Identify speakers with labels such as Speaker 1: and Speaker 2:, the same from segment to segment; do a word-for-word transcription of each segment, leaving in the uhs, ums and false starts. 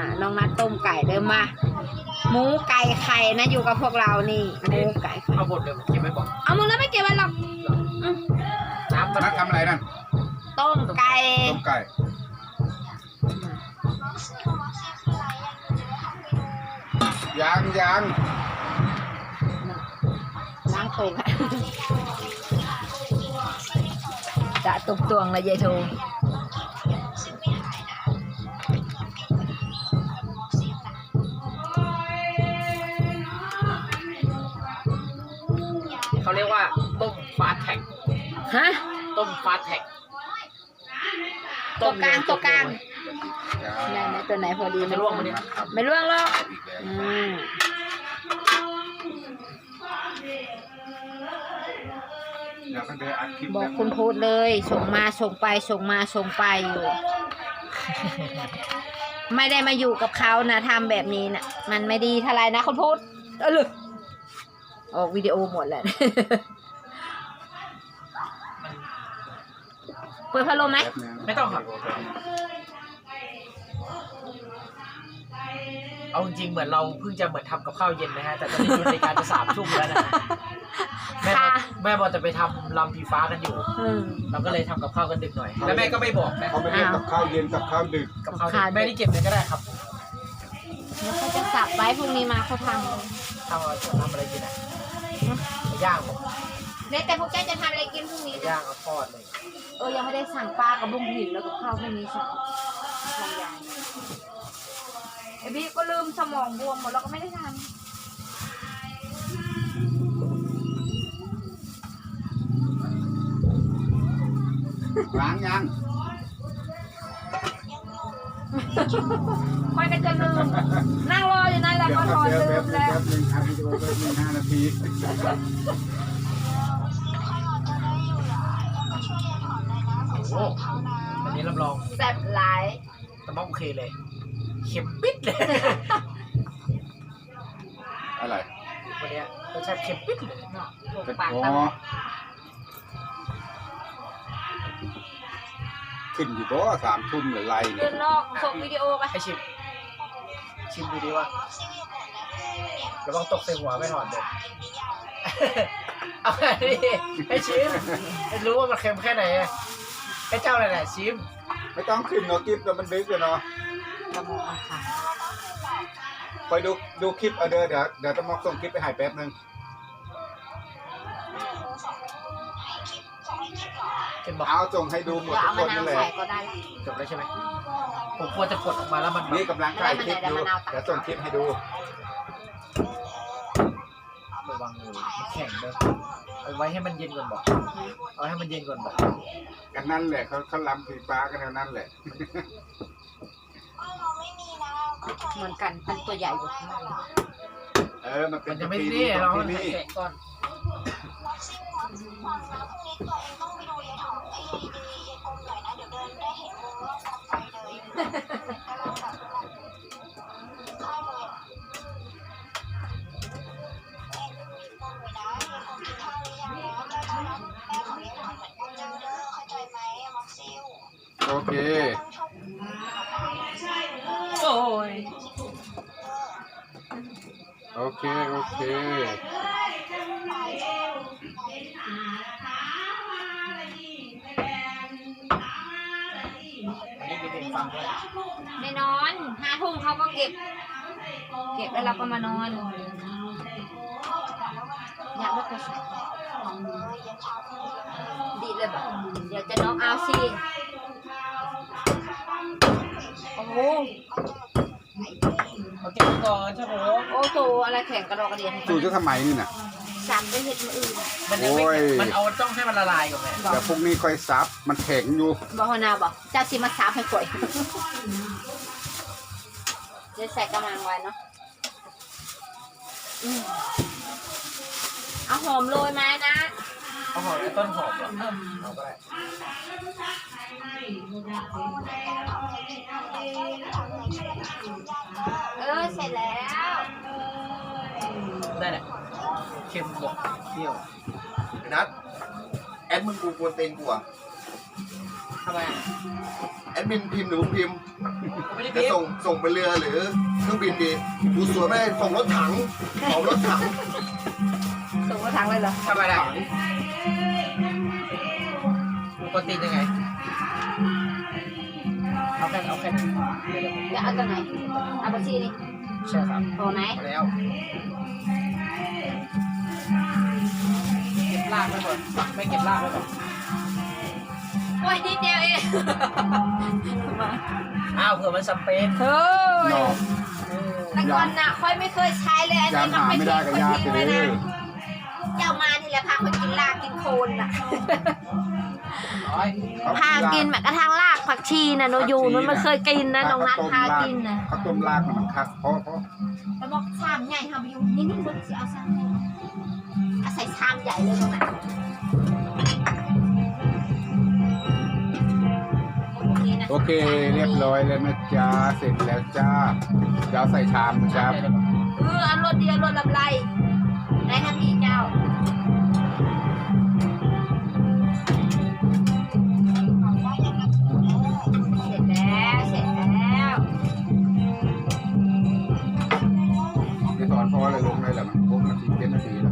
Speaker 1: น้องนัดต้มไก่เดิมมาหมูไก่ไข่นะอยู่กับพวกเรานี่หมูไก่
Speaker 2: เอาหมดเลยเก็บไว้ก่อน
Speaker 1: เอามึงแล้วไม่เก็บไว้หรอก
Speaker 2: น้ำนัดทำอะไรนั่น
Speaker 1: ต้มไก่
Speaker 2: ต้มไก่ยังยัง
Speaker 1: ล้างโป่งจะตุบตวงเลยยายโท
Speaker 2: เขาเรียกว่าต้มฟาสแท็ก
Speaker 1: ฮะ
Speaker 2: ต้มฟาสแท็ก
Speaker 1: ตัวกลางตัวกลางไหนไหนตัวไหนพอดี
Speaker 2: จะล่วงไหมเนี่ย
Speaker 1: ไม่ล่วงหรอกอืมบอกคุณพูดเลยส่งมาส่งไปส่งมาส่งไปอยู่ไม่ได้มาอยู่กับเขานะทำแบบนี้นะมันไม่ดีเท่าไรนะคุณพูดเออเลยออกวิดีโอหมดแหละเปิดพัดลมไหม
Speaker 2: ไม่ต้องครับเอาจริงๆเหมือนเราเพิ่งจะเหมือนทำกับข้าวเย็นนะฮะแต่ตอนนี้อยู่ในการจะสามทุ่มแล้วนะแม่แม่บอกจะไปทำลำพีฟ้ากันอยู่เราก็เลยทำกับข้าวกันดึกหน่อยแล้วแม่ก็ไม่บอกนะ
Speaker 3: เขาไม่เรียกกับข้าวเย็นกับข้าวดึก
Speaker 2: กับข้าวแม่นี่เก็บเลยก็ได้ครับ
Speaker 1: แล้วเขาจะสับไว้พรุ่งนี้มาเขาท
Speaker 2: ำทำอะไรทำอะไรกินอ่ะย่างผม
Speaker 1: เนี่ยแต่พวกแกจะทำอะไรกินพรุ่งนี้
Speaker 2: ย่างเอาทอดเลย
Speaker 1: เออยังไม่ได้สั่งปลากับบุ้งหินแล้วกับข้าวไม่มีสั่งทำยังไอ้บี้ก็ลืมสมองบวมหมดแล้วก็ไม่ได้ทำ
Speaker 3: ล้างยัง
Speaker 1: ค่อยก็จะลืมนั่งรออยู่นั่นแหละก็รอลืมแล้ว
Speaker 3: แป๊บนึงทำวิดีโอแป๊บนึงห้านาที
Speaker 2: โอ้วันนี้รับรอง
Speaker 1: แซ่บหลาย
Speaker 2: แต่ว่าโอเคเลยเค็มปิดเลย
Speaker 3: อะไร
Speaker 2: วันนี้รสชาติเค็มปิดเลย
Speaker 1: ปากต
Speaker 3: ขึ้นอยู่ก็สามทุ่มหรือไร
Speaker 1: เนี่ยนอกส่งวิดีโอไป
Speaker 2: ให้ชิมชิมดูดีว่าระวังตกใส่หัวไม่ถอดเลยเอาไงดิให้ชิมให้รู้ว่ามันเค็มแค่ไหนให้เจ้าอะไรแหละชิม
Speaker 3: ไม่ต้องขึ้นเนาะคลิปแล้วมันดึกเลยเนาะคอยดูดูคลิปเอาเดี๋ยวเดี๋ยวเดี๋ยวจะมาส่งคลิปไปหายแป๊บนึงเอาส่งให้ดูหมดทุกคนนั่นแหละ
Speaker 2: จบแล้วใช่ไหมผมควรจะกดออกมาแล้วมัน
Speaker 3: นี่กำลังถ่ายคลิปอยู่เดี๋ยวส่งคลิปให้ดู
Speaker 2: ระวังมือมันแข็งเลยเอาไว้ให้มันเย็นก่อนบอกเอาให้มันเย็นก่อนบอก
Speaker 3: กันนั่นแหละเขาเขาล้ำสีฟ้ากันนั่นแหละ
Speaker 1: เหมือนกันเป็นตัวใหญ่กว่า
Speaker 3: เออมันเป็น
Speaker 2: จะไม่นี่เราให้แกะก่อน
Speaker 3: โอเค
Speaker 1: โอ้ย
Speaker 3: โอเคโอเค
Speaker 1: ไม่นอนห้าทุ่มเขาก็เก็บเก็บแล้วเราก็มานอนอยากเลิกกระสับดีเลยแบบเดี๋ยวจะน้องเอาสิโอ้โห
Speaker 2: เขาเก็บก่อนใช่ไหม
Speaker 1: โอ้โหอะไรแข็งกระดอกกระเดียน
Speaker 3: สูจะทำไมนี่น่ะ
Speaker 1: สั่นไปเห็ดมืออื่น
Speaker 2: มันยังไม่มันเอาต้องให้มันละลายก่อนไง
Speaker 3: แต่พวกนี้ค่อยซับมันแข็งอยู่
Speaker 1: บอกนาบอกเจ้าสิมาซับให้ข่อยเดี๋ยวใส่กำลังไว้เนาะเอาหอมโรยมานะ
Speaker 2: เอาหอมต้นหอมเหรอเอาไป
Speaker 1: เออเสร็จแล้ว
Speaker 2: ได้แหละเค็มบวกเปรี้ยว
Speaker 3: นัดแอดมึงกูกวนเต็งกูอ่ะ
Speaker 2: ทำไม
Speaker 3: แอดมินพิมพ์หรือมึงพิมพ์
Speaker 2: ไม่ได้
Speaker 3: จะ
Speaker 2: พิม
Speaker 3: ส่ง
Speaker 2: พ์
Speaker 3: ส่งไปเรือหรือเครื่องบินดีกูสวยไม่ได้ส่งรถถังส่งรถถัง
Speaker 1: ส่งมาทางเลยเหรอ
Speaker 2: ทำไมล่ะปกติยังไงเอาแค่เอาแค่นี้
Speaker 1: จะเอาตัวไหนเอาบัญชีนี่
Speaker 2: ใช่ครับ
Speaker 1: ตัวไหน
Speaker 2: พอแล้วเก็บลากไว้ก่อนไม่เก็บลากไว้ก่อน
Speaker 1: โอ้ยนิดเดียวเอง
Speaker 2: อ้าวเผื่อมันสเปน
Speaker 1: เฮ้ย
Speaker 3: นอก
Speaker 1: แต่ก่อนน่ะค่อยไม่เคยใช้เลยอัน
Speaker 3: ยา
Speaker 1: นี้
Speaker 3: ม
Speaker 1: มัน
Speaker 3: หา
Speaker 1: ไม่
Speaker 3: ไม่
Speaker 1: ใช่
Speaker 3: ได้
Speaker 1: ค
Speaker 3: กับ
Speaker 1: น
Speaker 3: ยา
Speaker 1: ทิ้ง
Speaker 3: ไป
Speaker 1: เล
Speaker 3: เลย ย
Speaker 1: นะเจ้ามานี่แหละพาคนกินลากกินโคนน่ะ
Speaker 2: ร้อย
Speaker 1: พากินแม้กระทั่งลากผักชีน่ะหนูอยู่หนูไม่เคยกินนะน้องนัทพากินนะ
Speaker 3: ข้าวต้มรากมันคักเพราะเพราะ
Speaker 1: แล้วบอกชามใหญ่ทำอยู่นี่นี่มันจะเอาชามใหญ่เอาใส่ชามใหญ่เลยตรงนั้นนะ
Speaker 3: โอเคเรียบร้อยแล้วนะจ๊ะเสร็จแล้วจ้าจะเอาใส่ชามนะจ๊ะ
Speaker 1: เอออันรถเดียวรถลำไรไหนทำพี่เจ้าเสร็จแล้วเสร็จแล้ว
Speaker 3: ไม่สอนพ่ออะไรลงเลยแหละมันครบนาทีเป็นนาทีแล้ว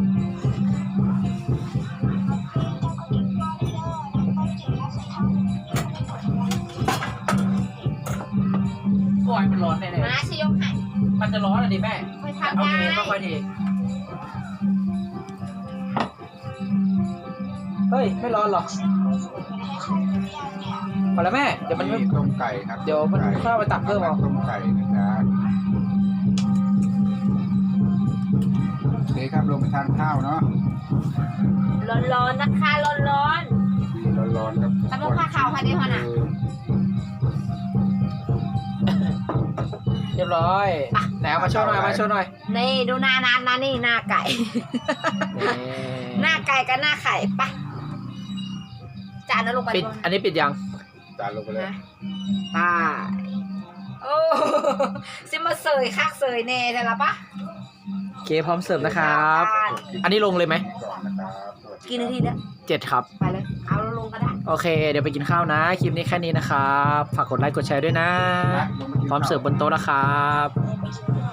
Speaker 2: ปล่อยมันร้อนแน่
Speaker 1: มาชยกให้
Speaker 2: ๆมันจะร้อนอะดิแม่
Speaker 1: ค่อย
Speaker 2: เอา
Speaker 1: ทำได้
Speaker 2: เองก็ค่อยดีเฮ้ยไม่ร้อนหรอกพอแล้วแม่เดี๋ยวมันไม่
Speaker 3: ต้มไก่ครับ
Speaker 2: เดี๋ยวมันเข้าไปตักเพิ่มเอา
Speaker 3: ต้มไก่นะจ๊ะโอเคครับลงไปทานข้าวเนาะ
Speaker 1: ร้อนๆนะคะร้อน
Speaker 3: ดีร้อนๆครับ
Speaker 1: ๆตำรวจผ้าขาวค่ะเดี๋ยวน่ะ
Speaker 2: เรียบร้อยไหนเอามาโชว์หน่อยมาโชว์หน่อย
Speaker 1: นี่ดูหน้านัดนะนี่หน้าไก่ หน้าไก่กับหน้าไข่ปะจานนั้นลงไป
Speaker 2: ปิด
Speaker 1: บน
Speaker 2: อันนี้ปิดยัง
Speaker 3: จานลงไปเลย
Speaker 1: นะตายโอ้ซิมาเสยคักเสยเน่แต่ละปะ
Speaker 2: โอเคพร้อมเสิร์ฟนะครับ อันนี้ลงเลยไหม
Speaker 3: ก่อนนะครับสวัสดี
Speaker 1: กี่นาทีเนี่ย
Speaker 2: เจ็ดครับ
Speaker 1: ไปเลย เอาลงก็ได้
Speaker 2: โอเค เดี๋ยวไปกินข้าวนะ คลิปนี้แค่นี้นะครับ ฝากกดไลค์กดแชร์ด้วยนะ
Speaker 3: นะลงากิน
Speaker 2: พร้อมเสิร์ฟบนโต๊ะนะครับ
Speaker 1: ไ